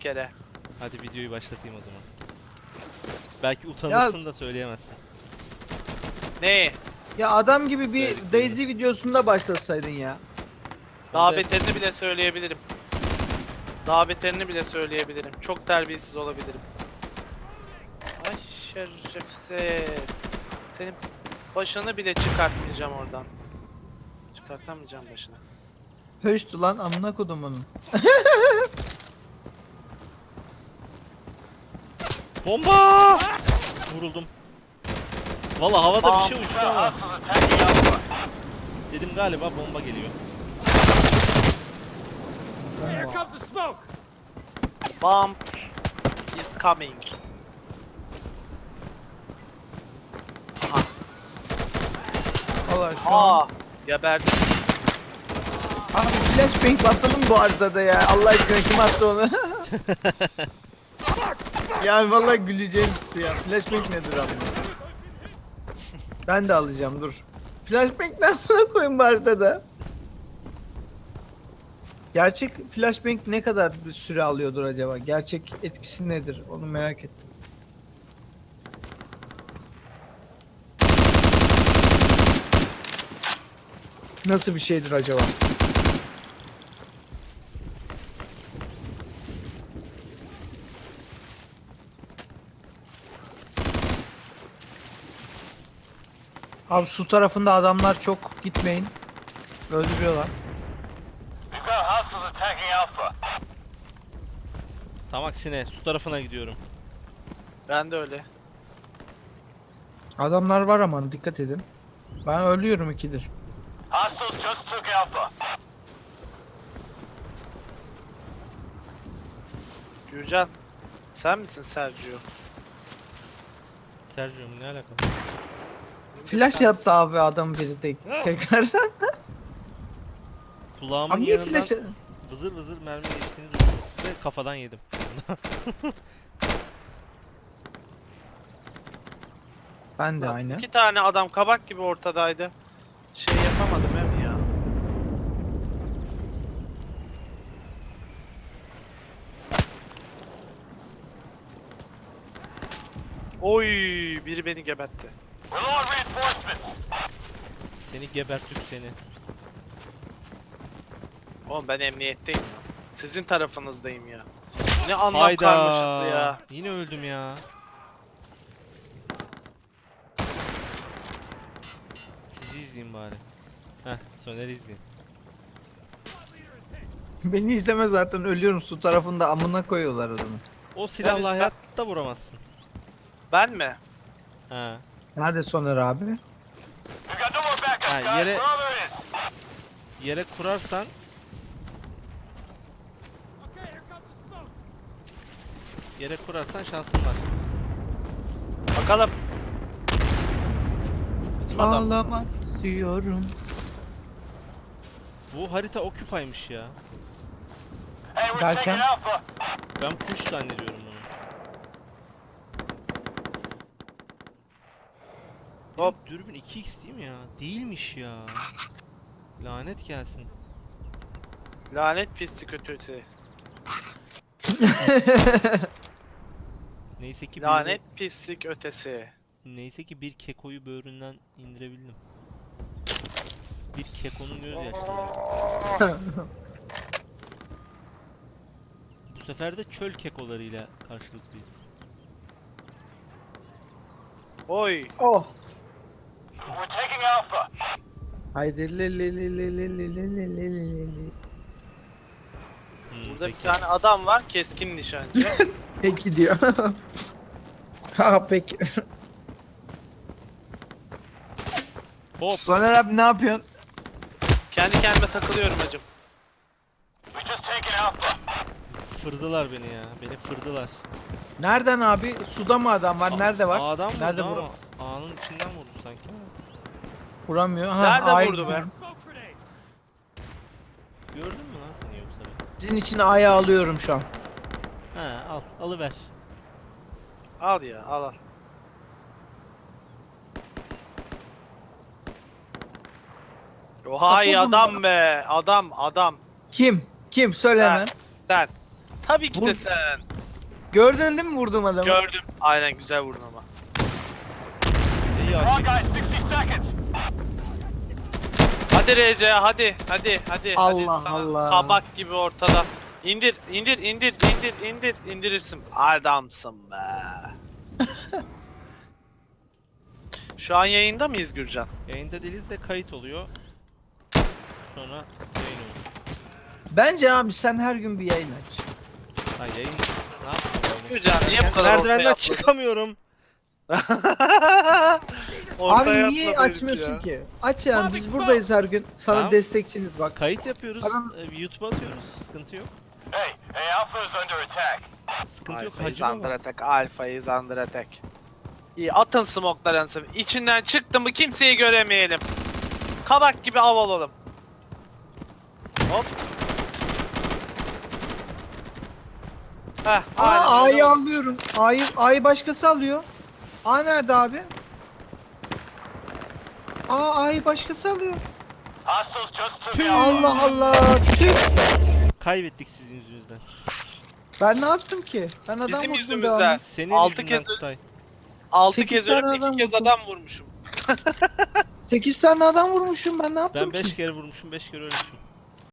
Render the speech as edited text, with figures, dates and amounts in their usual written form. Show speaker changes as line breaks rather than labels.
kere.
Hadi videoyu başlatayım o zaman. Belki utanırsın da söyleyemezsin.
Ne?
Ya adam gibi bir
Söylediklerini.
Daisy videosunda başlasaydın ya.
Daha
Onda-
beterini bile söyleyebilirim. Daha beterini bile söyleyebilirim. Çok terbiyesiz olabilirim. Ay şerefsiz. Senin başını bile çıkartmayacağım oradan. Çıkartamayacağım başını.
Höştü lan amına kodumunun.
Bomba! Vuruldum. Valla havada bir şey uçtu ama. Dedim galiba bomba geliyor.
Bomb is coming. Aha.
Valla şu an.
Aa, geberdim.
Abi flashbang patladı mı bu haritada ya? Allah aşkına kim attı onu? Yani vallahi güleceğim tuttu ya. Flashbang nedir abi? Ben de alacağım dur. Flashbang nasıl koyayım bu haritada? Gerçek flashbang ne kadar bir süre alıyordur acaba? Gerçek etkisi nedir? Onu merak ettim. Nasıl bir şeydir acaba? Abi su tarafında adamlar çok, gitmeyin. Öldürüyorlar.
Tam aksine su tarafına gidiyorum.
Ben de öyle.
Adamlar var ama dikkat edin. Ben ölüyorum ikidir.
Gürcan. Sen misin Sergio?
Sergio'm ne alakalı?
Flash yaptı abi adam biri tekrardan.
Kulağımın
Abi niye
yanından
flash?
vızır vızır mermi geçtiğini duydum ve kafadan yedim.
Ben de
Lan
aynı.
2 tane adam kabak gibi ortadaydı. Şey yapamadım hem ya. Oy, biri beni gebertti.
Seni gebertip seni.
Oğlum ben emniyetteyim ya. Sizin tarafınızdayım ya. Ne anlam karmaşası ya.
Yine öldüm ya. Sizi izleyeyim bari. Heh, Soner'i izleyeyim.
Beni izleme zaten ölüyorum su tarafında amına koyuyorlar adamı.
O silahla
ben-
hayatta vuramazsın.
Ben mi?
Ha.
Nerede Soner abi?
Ha, yere kurarsan şansın var.
Bakalım. Bizim adam.
Ağlamak istiyorum.
Bu harita Occupy'mış ya.
Derken?
Ben kuş zannediyorum bunu.
Hop.
Dürbün 2x değil mi ya? Değilmiş ya. Lanet gelsin.
Lanet pislik ötesi.
Neyse ki
Lanet pislik ötesi.
neyse ki bir kekoyu böğründen indirebildim. Bir kekonun gözyaşları. Bu sefer de çöl kekolarıyla karşılıklıyız.
Oy.
Oh. Haydi le le le le le le le le le le le.
Burada
Peki.
bir tane adam var, keskin nişancı.
Peki diyor. Ha peki.
Hop.
Soner abi ne yapıyorsun?
Kendi kendime takılıyorum hacım.
Fırdılar beni ya. Beni fırdılar.
Nereden abi? Suda mı adam var? Nerede var?
A'dan vurdu
Nerede
ama
vur?
A'nın içinden vurdu sanki.
Vuramıyor. Ha,
Nerede
A'ya
vurdu be?
gidiyorum.
Gördün mü lan seni yoksa ben?
Sizin için A'ya alıyorum şu an.
He al. Alıver.
Al ya, al al. Oha iyi
Takıldım
adam be. Adam.
Kim? Kim? Söyle
Ben.
hemen.
Sen. Tabii ki de
Vur.
sen.
Gördün değil mi vurduğum adamı?
Gördüm. Aynen güzel vurdun ama.
İyi açık.
Hadi RC hadi.
Allah
Sana
Allah.
kabak gibi ortada. İndir. İndirirsin. Adamsın be. Şu an yayında mıyız Gürcan?
Yayında değiliz de kayıt oluyor. Sonra yayın oluyor.
Bence abi sen her gün bir yayın aç.
Ha yayın ne yapayım?
Gürcan niye bu kadar
Merdivenden
ortaya
çıkamıyorum.
Ortaya
Abi niye
atladı herif
açmıyorsun
ya.
ki? Aç yani biz buradayız her gün. Sana
Tamam.
destekçiniz bak.
Kayıt yapıyoruz.
Adam-
YouTube'a atıyoruz. Sıkıntı yok.
Hey, Alpha is under attack.
Sıkıntı yok.
Alfa is
Hacı
under
baba.
attack. Alfa is under attack. İyi atın smoke'larınızı. İçinden çıktı mı kimseyi göremeyelim. Kabak gibi av olalım. Hop. Heh, aynen
Aa
öyle
A'yı
oldu.
alıyorum. A'yı başkası alıyor. A nerede abi? A'yı başkası alıyor.
Hostiles just took Alpha.
Allah Allah. Tüh.
Kaybettik sizin yüzünüzden.
Ben ne yaptım ki? Ben adam
Bizim
vurdum
yüzümüzden.
devamlı.
Senin
Altı
yüzünden
kez-
Kutay.
6
Sekiz
kez ölüp
tane
2
adam
kez
vurdum.
adam vurmuşum.
8 tane adam vurmuşum ben ne yaptım
Ben
ki?
5 kere vurmuşum, 5 kere ölmüşüm.